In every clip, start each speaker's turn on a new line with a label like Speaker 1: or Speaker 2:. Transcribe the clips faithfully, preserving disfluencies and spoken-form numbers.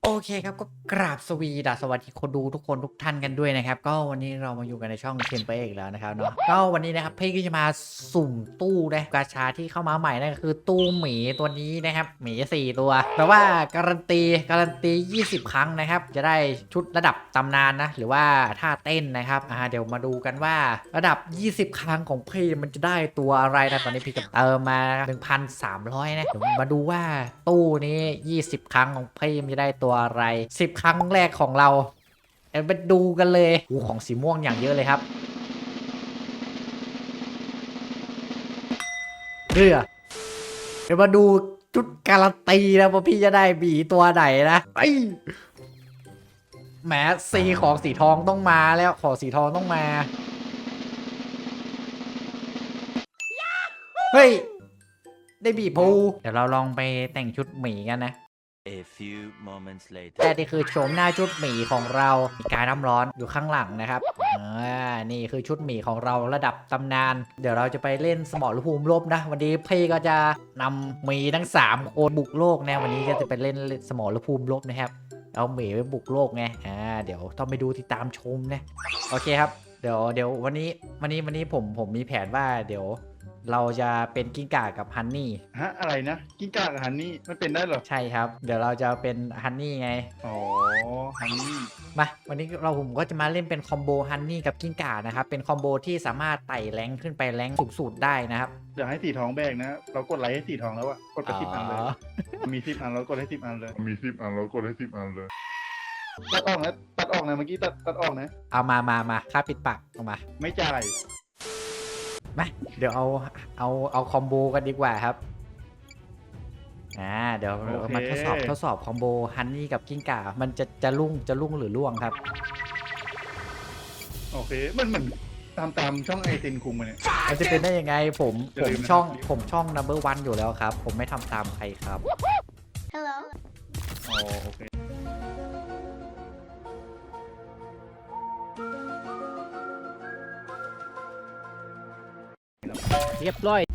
Speaker 1: โอเคครับก็กราบสวีดัสสวัสดีคนดูทุกคนทุกท่านกันด้วยนะครับก็วันนี้เรามาอยู่กันในช่องเชนเปอีกแล้วนะครับเนาะก็วันนี้นะครับพี่ก็จะมาสุ่มตู้นะกาชาที่เข้ามาใหม่นั่นก็คือตู้หมีตัวนี้นะครับหมีสี่ตัวแปลว่าการันตีการันตียี่สิบครั้งนะครับจะได้ชุดระดับตำนานนะหรือว่าท่าเต้นนะครับอ่าเดี๋ยวมาดูกันว่าระดับยี่สิบครั้งของพี่มันจะได้ตัวอะไรนะตอนนี้พี่จะเติมมา หนึ่งพันสามร้อย นะเดี๋ยวมาดูว่าตู้นี้ยี่สิบครั้งของพี่มันจะได้ตัวอะไรสิบครั้งแรกของเราเดี๋ยวไปดูกันเลยโอ้ของสีม่วงอย่างเยอะเลยครับเรือเดี๋ยวมาดูชุดการันตีนะว่าพี่จะได้บีตัวไหนนะไอ้แหมสีของสีทองต้องมาแล้วของสีทองต้องมาเฮ้ยได้บีพูเดี๋ยวเราลองไปแต่งชุดหมีกันนะ
Speaker 2: A few moments later
Speaker 1: แต่นี่คือโฉมหน้าชุดหมีของเรามีการน้ำร้อนอยู่ข้างหลังนะครับอ่านี่คือชุดหมีของเราระดับตำนานเดี๋ยวเราจะไปเล่นสมรภูมิรบนะวันนี้พี่ก็จะนำหมีทั้งสามคนบุกโลกนะวันนี้ก็จะไปเล่นสมรภูมิรบนะครับเอาหมีไปบุกโลกไงอ่าเดี๋ยวต้องไปดูติดตามชมนะโอเคครับเดี๋ยวเดี๋ยววันนี้วันนี้วันนี้ผมผมมีแผนว่าเดี๋ยวเราจะเป็นกิ้งก่ากับฮันนี่
Speaker 3: ฮะอะไรนะกิ้งก่ากับฮันนี่มันเป็นได้เหรอ
Speaker 1: ใช่ครับเดี๋ยวเราจะเป็นฮันนี่ไง
Speaker 3: อ๋อฮันนี่
Speaker 1: มาวันนี้เราผมก็จะมาเล่นเป็นคอมโบฮันนี่กับกิ้งก่านะครับเป็นคอมโบที่สามารถไต่แรงขึ้นไปแรงสูงสุดได้นะครับ
Speaker 3: อยากให้สีทองแบกนะเรากดไลค์ให้สีทองแล้วอะกดไปสิบอันเลยมีสิบอันเรากดให้สิบอันเลย
Speaker 4: มีสิบอันแล้วกดให้สิบอันเลย
Speaker 3: ตัดออกนะตัดออกนะเมื่อกี้ตัดตัดออกนะ
Speaker 1: เอามามามาค่าปิดปากเอามา
Speaker 3: ไม่จ่าย
Speaker 1: มาเดี๋ยวเอาเอาเอาคอมโบกันดีกว่าครับอ่าเดี๋ยวเรามาทดสอบทดสอบคอมโบฮันนี่กับกิ้งก่ามันจะจะลุ่งจะลุ่งหรือล่วงครับ
Speaker 3: โอเคมันเหมือนตามตามช่องไอตินคุงมาเนี่ย
Speaker 1: มันจะเป็นได้ยังไงผมผมช่องผมช่อง นัมเบอร์วัน อยู่แล้วครับผมไม่ทำตามใครครับ
Speaker 3: Hello อ๋อโอเค
Speaker 1: เรียบร้อย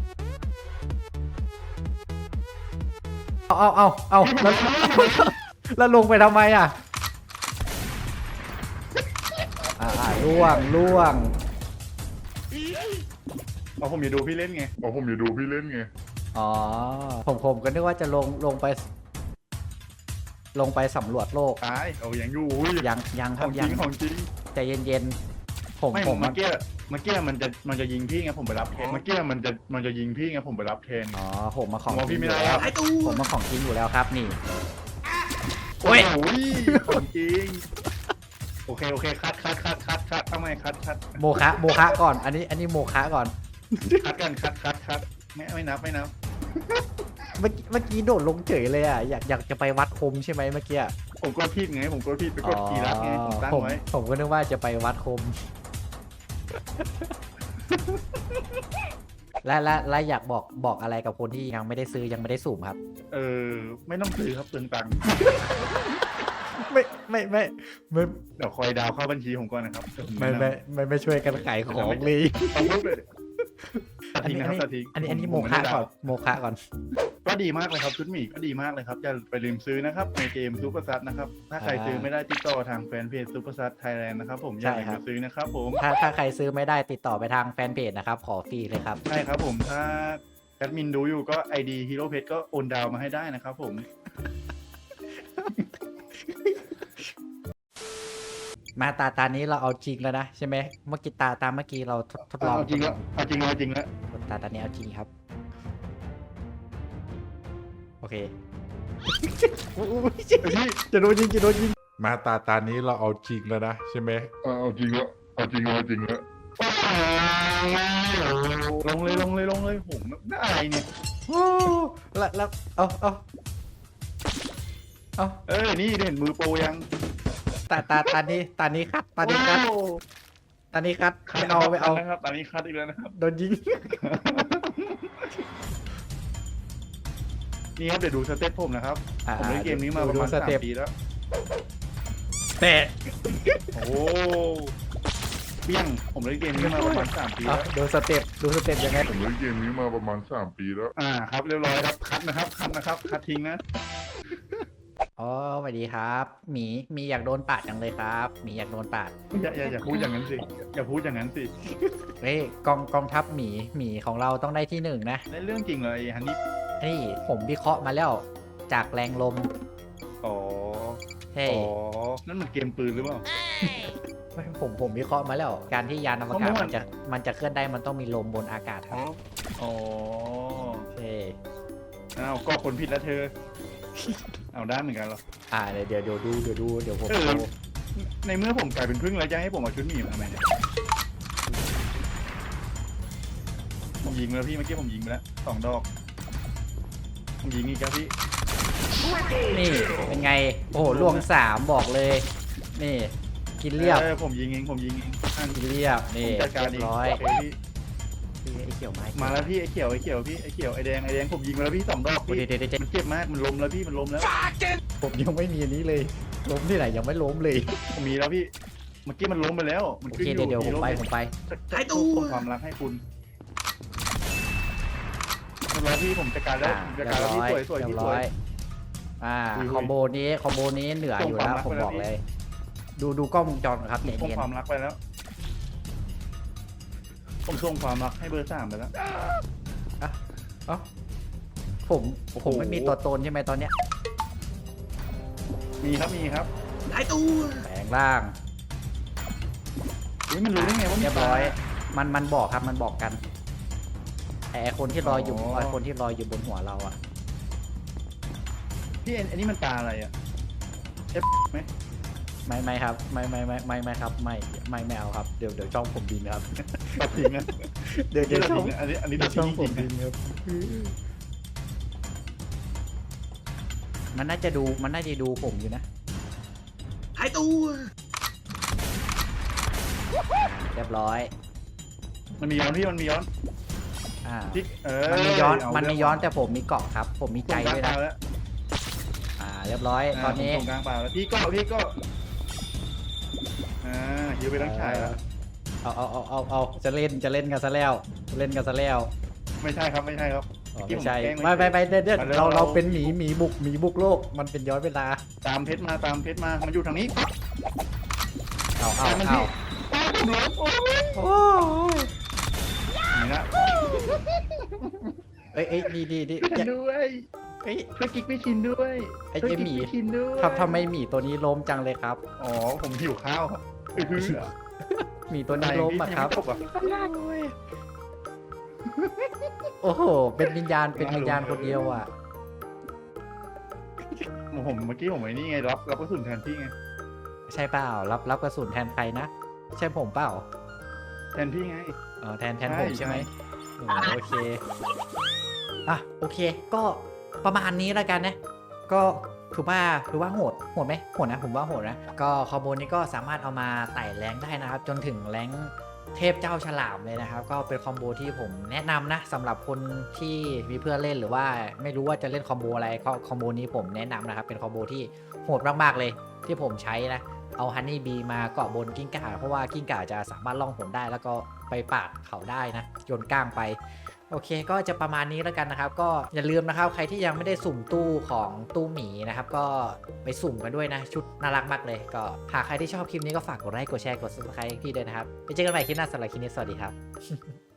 Speaker 1: เอาเอาเอาเอาแล้วแล้วลงไปทำไมอ่ะอ่าล่วงล่วง
Speaker 3: เอาผมอย่าดูพี่เล่นไง
Speaker 4: อ๋อผมอย่าดูพี่เล่นไง
Speaker 1: อ๋อผมผมก็นึกว่าจะลงลงไปลงไปสำรวจโลก
Speaker 3: ตายเอาอย่างอยู่
Speaker 1: ยังยังครับ
Speaker 3: ยังของจริง
Speaker 1: ใจเย็นๆผมผม
Speaker 3: เมื่อกี้เมื่อกี้มันจะมันจะยิงพี่ไงผมไปรับแทนเมื่อกี้มันจะมันจะยิงพี่ไงผมไปรับแทน
Speaker 1: อ๋อผมมาของ
Speaker 3: พี่ไม่ได้แล้ว
Speaker 1: ผมมาของจริงอยู่แล้วครับนี่
Speaker 3: โอ้ยของจริงโอเคโอเคคัดคัดคัดคัดคัดทำไมคัดคัด
Speaker 1: โมคะโมคะก่อนอันนี้อันนี้โมคะก่อน
Speaker 3: คัดกันคัดคัดคัดไม่ไม่นับไม่นับ
Speaker 1: เมื่อกี้เมื่อกี้โดดลงเฉยเลยอ่ะอยากอยากจะไปวัดคมใช่ไหมเมื่อกี้
Speaker 3: ผมก็ผิดไงผมก็ผิดไปกดกีรัสไงผมตั้งไว้
Speaker 1: ผมก็นึกว่าจะไปวัดคมและและและอยากบอกบอกอะไรกับคนที่ยังไม่ได้ซื้อยังไม่ได้สุ่มครับ
Speaker 3: เออไม่ต้องซื้อครับเปลืองตังค์
Speaker 1: ไม่ไม่ไม่ไม่
Speaker 3: เดี๋ยวคอยดาวเข้าบัญชีผมก่อนนะครับ
Speaker 1: ไม่ไม่ไม่ไม่ช่วยกันขายของเลย
Speaker 3: อันนี้อันนี้
Speaker 1: อันนี้อันนี้โมคะก่อนโมคะก่อน
Speaker 3: ก็ดีมากเลยครับชุดหมีก็ดีมากเลยครับอย่าไปลืมซื้อนะครับในเกมซูเปอร์ซัตนะครับถ้าใครซื้อไม่ได้ติดต่อทางแฟนเพจซูเปอร์ซัตไทยแลนด์นะครับผมอย่าลืมซื้อนะครับผม
Speaker 1: ถ้าถ้าใครซื้อไม่ได้ติดต่อไปทางแฟนเพจนะครับขอฟรีเลยครับ
Speaker 3: ใช่ครับผมถ้าแอดมินดูอยู่ก็ ไอ ดี ฮีโร่เพจก็โอนดาวมาให้ได้นะครับผม
Speaker 1: มาตาตานี้เราเอาจริงแล้วนะใช่ไหมเมื่อกี้ตาตาเมื่อกี้เราทดลอง
Speaker 3: เอาจริงแล้วเอาจริงแล้วจริงแล้ว
Speaker 1: ตาตานี้เอาจริงครับโอเคจะโดนยิงจะโดนยิง
Speaker 4: มาตาตานี้เราเอาจริงแล้วนะใช่ไหมเอาจริงแล้วเอาจริงแล้วจริงแล้ว
Speaker 3: ลงเลยลงเลยลงเลยผมไม่อะไรเนี่ย
Speaker 1: แล้วแล้วเอาเอาเอา
Speaker 3: เออนี่เห็นมือโปรยัง
Speaker 1: ตาตาตานี้ตานี้คัดตานี้คัดตานี้คัดไม่เอาไม่เอา
Speaker 3: นะครับตานี้คัดอีกแล้วนะครับ
Speaker 1: โดนยิง
Speaker 3: นี่ครับเดี๋ยวดูสเต็ปผมนะครับผมเล่นเกมนี้มาประมาณสามปีแล้ว
Speaker 1: แต่
Speaker 3: โอ้เปี้ยงผมเล่นเกมนี้มาประมาณสามปีแล้ว
Speaker 1: ดูสเต็ปดูสเต็ปยังไง
Speaker 4: ผมเล่นเกมนี้มาประมาณสามปีแล้ว
Speaker 3: อ่าครับเรียบร้อยครับคัดนะครับคัดนะครับคัดทิ้งนะ
Speaker 1: อ๋อสวัสดีครับหมีหมีอยากโดนปาดจังเลยครับหมีอยากโดนปาด
Speaker 3: อย่าอย่าอย่าพูดอย่างนั้นสิอย่าพูดอย่างนั้นสิ
Speaker 1: เฮ้ยกองกองทัพหมีหมีของเราต้องได้ที่หนึ่งนะ
Speaker 3: ในเรื่องจริงเลยฮันนี่
Speaker 1: นี่ผมวิเคราะห์มาแล้วจากแรงลม
Speaker 3: อ๋อ
Speaker 1: เฮ้ย
Speaker 3: อ๋อนั่นมันเกมปืนหรือเปล่า
Speaker 1: ไม่ผมผมวิเคราะห์มาแล้ว การที่ยานอวกาศ
Speaker 3: ข้อมูล
Speaker 1: มันจะมันจะเคลื่อนได้มันต้องมีลมบนอากาศครับ
Speaker 3: อ๋อ
Speaker 1: เฮ้ย
Speaker 3: อ้าวก็คนผิดแล้วเธอ เอาด้านเหมือนกันเหรอ
Speaker 1: อ่าเดี๋ยวเดี๋ยวเดี๋ยวดูเดี๋ยวดูเดี๋ยวผม
Speaker 3: เออ
Speaker 1: ดู
Speaker 3: ในเมื่อผมกลายเป็นพึ่งแล้วจะให้ผมเอาชุดหมีมาทำไมเนี่ยผมยิงไปแล้วพี่เมื่อกี้ผมยิงไปแล้วสองดอกผมยิงอีกแล้วพี่
Speaker 1: นี่เป็นไงโอ้โหล่วงสามบอกเลย นี่ กินเรียบ
Speaker 3: ออผมยิงเองผมยิงเองอ่ะ
Speaker 1: กินเรียบ
Speaker 3: ผ
Speaker 1: นี่
Speaker 3: มจัดการ
Speaker 1: เรี
Speaker 3: เอย ง
Speaker 1: บร้อย
Speaker 3: โอเคพี่
Speaker 1: ไอ้เขียวไม้
Speaker 3: มาแล้วพี่ไอ้เขียวไอ้เขียวพี่ไอ้เขียวไอ้แดงไอ้แดงผมยิงไปแล้วพี่สองดอก
Speaker 1: โอ้ย
Speaker 3: พี่
Speaker 1: เดี๋ยวเดี๋ยวเดี๋ยว
Speaker 3: มันเจ็บมากมันล้มแล้วพี่มันล้มแล้ว
Speaker 1: ผมยังไม่มีอันนี้เลย ล้มที่ไหนยังไม่ล้มเลย
Speaker 3: ผมมีแล้วพี่เมื่อกี้มันล้มไปแล้วมัน
Speaker 1: โอ
Speaker 3: ขึ้น
Speaker 1: เค
Speaker 3: อยู่
Speaker 1: เดี๋ยวเดี๋ยวผมไป
Speaker 3: ล้
Speaker 1: ผมไป
Speaker 3: หายตู้ส่งความรักให้คุณเรียบร้อยพี่ผมจัดการแล้ว
Speaker 1: อ่า
Speaker 3: ผมจัด
Speaker 1: เรีย
Speaker 3: การ
Speaker 1: บ
Speaker 3: แล้ว
Speaker 1: ร้
Speaker 3: พี่
Speaker 1: อย
Speaker 3: สวยสวย
Speaker 1: เรีย
Speaker 3: พี่
Speaker 1: บ
Speaker 3: ส
Speaker 1: ร้
Speaker 3: ว
Speaker 1: อย ยอ่า
Speaker 3: อุ้ย
Speaker 1: คอมโบนี้คอมโบนี้เหนืออยู่แล้ว
Speaker 3: ส่ง
Speaker 1: ผม
Speaker 3: ความรัก
Speaker 1: บอก
Speaker 3: ไปแล้ว
Speaker 1: เลย ดูดูกล้องวงจรก่อนครับ
Speaker 3: ผม
Speaker 1: เนี่ย
Speaker 3: ส่ง
Speaker 1: เนียน
Speaker 3: ความรักไปแล้ว ผมส่งความรักให้เบอร์สามไปแล้ว
Speaker 1: เอ้าผม
Speaker 3: โอ้โห
Speaker 1: ผมไม่มีตัวตนใช่ไหมตอนเนี้ย
Speaker 3: มีครับมีครับ
Speaker 1: แปลงร่าง
Speaker 3: อุ้ยมันรู้ได้ไงว่ามี
Speaker 1: เรียบร้อย
Speaker 3: ปลา
Speaker 1: มันมันบอกครับมันบอกกันไอ้คนที่ลอยอยู่
Speaker 3: อ๋อ
Speaker 1: ไอ้คนที่ลอยอยู่บนหัวเราอะ
Speaker 3: พี่อันอันนี้มันปลาอะไรอ่ะเอฟไหม
Speaker 1: ไม่ไม่ครับไม่ไม่ไม่ไม่ไม่ครับไม่ไม่ไม่เอาครับเดี๋ยวเดี๋ยวช่องผมบินครับ
Speaker 3: ตัดทิ้งนะ
Speaker 1: เดี๋ยวเดี๋ยวช่อง
Speaker 3: อันนี้อันนี้
Speaker 1: เดี๋
Speaker 3: ตั
Speaker 1: ย
Speaker 3: ด
Speaker 1: วช่
Speaker 3: ทิ้
Speaker 1: อง
Speaker 3: ง
Speaker 1: ผ
Speaker 3: จ
Speaker 1: ม
Speaker 3: ริง
Speaker 1: บิ
Speaker 3: ๆ
Speaker 1: น
Speaker 3: นะ
Speaker 1: ครับมันน่าจะดูมันน่าจะดูผมอยู่นะหายตัวเรียบร้อย
Speaker 3: มันมีย้อนพี่มันมีย้อน
Speaker 1: อ่า
Speaker 3: พี่เออ
Speaker 1: มันมีย้อน
Speaker 3: เา
Speaker 1: มันมี
Speaker 3: เรื่ง
Speaker 1: ย้อนแต่ผมมีเกาะครับ ผมมีใจ
Speaker 3: ส่งกลาง
Speaker 1: ด้วย
Speaker 3: ป
Speaker 1: นะ
Speaker 3: ลาแล้ว
Speaker 1: อ่า เรียบร้อย ตอนนี้
Speaker 3: าผมส่งกลางปลาแล้วพี่ก็พี่ก็อ่าฮิวไปทั้งชายแล้ว
Speaker 1: เอาเอาเอาเอาเอาจะเล่นจะเล่นกันซะแล้วเล่นกันซะแล้ว
Speaker 3: ไม่ใช่ครับไม่ใช่ครับ
Speaker 1: อ๋อ
Speaker 3: เมื่อกี้
Speaker 1: ไม่ใช่
Speaker 3: ผมแกล้ง
Speaker 1: ไม่ไม่ไม่เดี๋ยวเดี๋ยว
Speaker 3: มาเร็ว
Speaker 1: เราเรา
Speaker 3: เรา
Speaker 1: เป็นหมีหมีบุกหมีบุกโลกมันเป็นย้อนเวลา
Speaker 3: ตามเพชรมาตามเพชรมามันอยู่ทางนี้
Speaker 1: เอาเอา
Speaker 3: ตามมัน
Speaker 1: เอา
Speaker 3: ที่ตามผมแล้วโอ้ย
Speaker 1: โอ้ย
Speaker 3: นี่นะ
Speaker 1: เอ้ยเอ้ยดีดีดี
Speaker 3: พี่ชินด้วย
Speaker 1: เอ้ย
Speaker 3: ช่วยกิ๊กพี่ชินด้วย
Speaker 1: ไอ้
Speaker 3: ช่วย
Speaker 1: เจ๊
Speaker 3: กิ๊ก
Speaker 1: หมี
Speaker 3: พี่ชินด้วย
Speaker 1: ทำทำไมหมีตัวนี้ล้มจังเลยครับ
Speaker 3: อ๋อผมหิวข้าวครับเออ
Speaker 1: หมีตัวนี้ล้มอะครับ
Speaker 3: ตายพี่ยังไม่ตกอ่ะ
Speaker 1: โอ้โหเป็นวิญญาณเป็นวิญญาณคนเดียวอ่ะ
Speaker 3: ผมเมื่อกี้ผมไอ้นี่ไงรับรับกระสุนแทนพี่ไง
Speaker 1: ใช่เปล่ารับรับกระสุนแทนใครนะใช่ผมเปล่า
Speaker 3: แทนพี่ไง
Speaker 1: เออแทนแทน
Speaker 3: ใช่
Speaker 1: ผมใช่ไหม
Speaker 3: ใช่
Speaker 1: อ๋อโอเค อ่ะโอเค ก็ประมาณนี้แล้วกันนะ ก็ถือว่าถือว่าโหดโหดไหมโหดนะผมว่าโหดนะ ก็คอมโบนี้ก็สามารถเอามาไต่แรงได้นะครับ จนถึงแรงเทพเจ้าฉลามเลยนะครับ ก็เป็นคอมโบที่ผมแนะนำนะสำหรับคนที่มีเพื่อนเล่นหรือว่าไม่รู้ว่าจะเล่นคอมโบอะไรก็คอมโบนี้ผมแนะนำนะครับ เป็นคอมโบที่โหดมากๆเลย ที่ผมใช้นะ เอาฮันนี่บีมาเกาะบนกิ้งก่าเพราะว่ากิ้งก่าจะสามารถล่องหนได้แล้วก็ไปปาดเขาได้นะโยนก้างไป โอเคก็จะประมาณนี้แล้วกันนะครับ ก็อย่าลืมนะครับใครที่ยังไม่ได้สุ่มตู้ของตู้หมีนะครับก็ไปสุ่มกันด้วยนะชุดน่ารักมากเลยก็หากใครที่ชอบคลิปนี้ก็ฝากกดไลค์กดแชร์กด ซับสไครบ์ พี่ด้วยนะครับไปเจอกันใหม่คลิปหน้าสำหรับคลิปนี้สวัสดีครับ